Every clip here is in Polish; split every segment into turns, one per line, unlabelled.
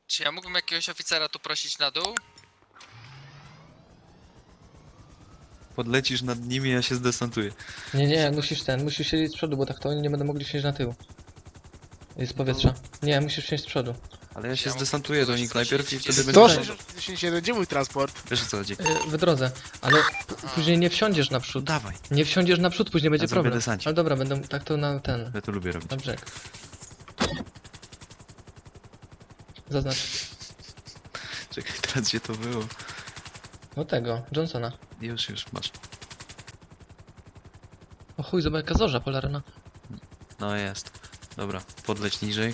Czy ja mógłbym jakiegoś oficera tu prosić na dół?
Podlecisz nad nimi, ja się zdesantuję.
Nie, musisz siedzieć z przodu, bo tak to oni nie będą mogli wsiąść na tył. Z powietrza. Nie, musisz wsiąść z przodu.
Ale ja
Czy
się
ja mógłbym
zdesantuję do
kogoś
nich
prosić,
najpierw i
gdzie
wtedy
jest
będę...
161, gdzie mój transport?
Wiesz o co chodzi?
W drodze, ale później nie wsiądziesz
No
naprzód.
dawaj,
Nie wsiądziesz naprzód, później będzie
zrobię
problem.
desancik.
Ale dobra, będą tak to na ten,
ja to lubię robić.
na brzeg. Zaznacz.
Czekaj, teraz gdzie to było?
No tego, Johnsona.
Już, masz.
O chuj, zobacz jaka zorza polarna.
No jest. Dobra, podleć niżej.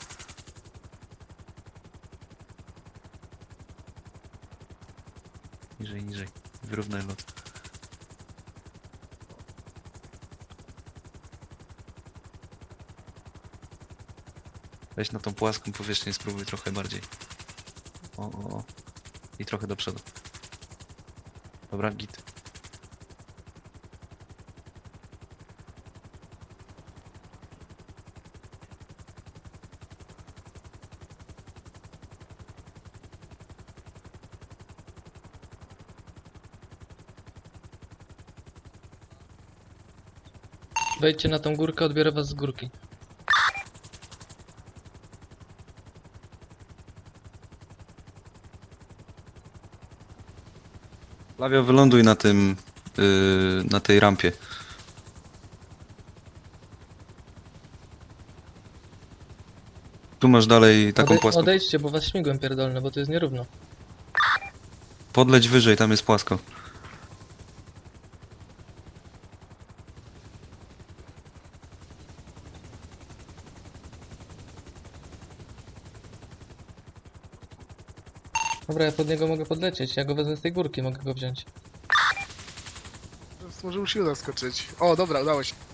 Niżej. Wyrównaj lot. Weź na tą płaską powierzchnię, spróbuj trochę bardziej. O. I trochę do przodu. Dobra, git.
Wejdźcie na tą górkę, odbiorę was z górki.
Flavio, wyląduj na tym... na tej rampie. Tu masz dalej taką płaską.
Odejdźcie, bo was śmigłem pierdolne, bo to jest nierówno.
Podleć wyżej, tam jest płasko.
Dobra, ja pod niego mogę podlecieć, ja go wezmę z tej górki, mogę go wziąć.
Może musi uda skoczyć. O, dobra, udało się.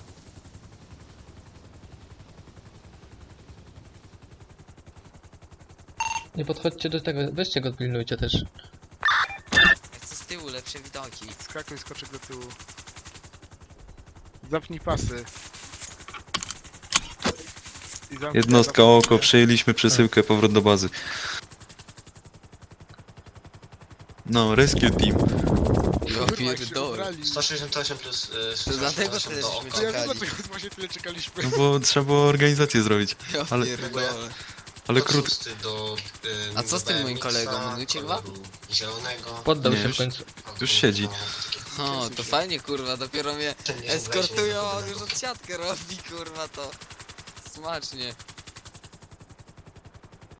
Nie podchodźcie do tego, weźcie go, pilnujcie też.
Ja chcę z tyłu lepsze widoki.
Skakuj, skoczek do tyłu. Zapnij pasy. I zamknij
Jednostka
na-
oko, przejęliśmy przesyłkę, powrót do bazy. No, rescue team.
Ja
Kurwa, jak się
pierdolę.
ubrali.
168 plus
To dlatego
68
tyle
do
żeśmy
oko.
To ja wiem,
czekali.
dlaczego właśnie tyle czekaliśmy.
No bo trzeba było organizację zrobić.
Ja
Ale-
pierdolę.
Ale
Od
krótko.
6 do,
A co z tym moim
BMX-a,
kolegą? Minujcie chyba?
koloru zielonego.
Poddał
Nie,
się w
już-
końcu.
Już siedzi.
O, to fajnie kurwa, dopiero mnie
Ten nie
eskortują,
wlezie,
on już odsiadkę robi kurwa to. Smacznie.